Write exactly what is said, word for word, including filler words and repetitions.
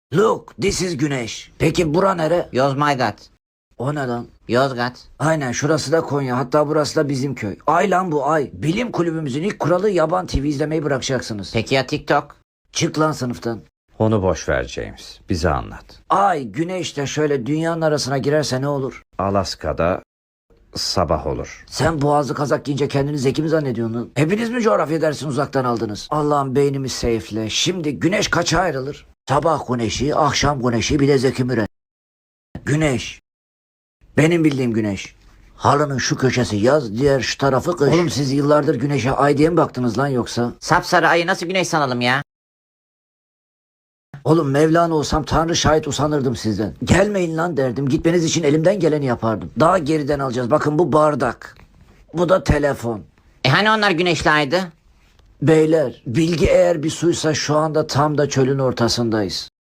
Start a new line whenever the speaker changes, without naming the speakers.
Look, this is Güneş. Peki bura nere?
Yozmaygat.
O ne lan?
Yozgat.
Aynen, şurası da Konya, hatta burası da bizim köy. Ay lan bu ay. Bilim kulübümüzün ilk kuralı yaban T V izlemeyi bırakacaksınız.
Peki ya TikTok?
Çık lan sınıftan.
Onu boş ver James. Bize anlat.
Ay Güneş de şöyle dünyanın arasına girerse ne olur?
Alaska'da sabah olur.
Sen boğazlı kazak giyince kendini zeki mi zannediyorsun lan? Hepiniz mi coğrafya dersini uzaktan aldınız? Allah'ım beynimi seyfle. Şimdi güneş kaça ayrılır? Sabah güneşi, akşam güneşi, bir de Zeki Müren. Güneş. Benim bildiğim güneş. Halının şu köşesi yaz, diğer şu tarafı kış. Oğlum siz yıllardır güneşe ay diye mi baktınız lan yoksa?
Sapsarı ayı nasıl güneş sanalım ya?
Oğlum Mevlana olsam Tanrı şahit usanırdım sizden. Gelmeyin lan derdim. Gitmeniz için elimden geleni yapardım. Daha geriden alacağız. Bakın bu bardak. Bu da telefon.
E hani onlar güneşli aydı?
Beyler, bilgi eğer bir suysa şu anda tam da çölün ortasındayız.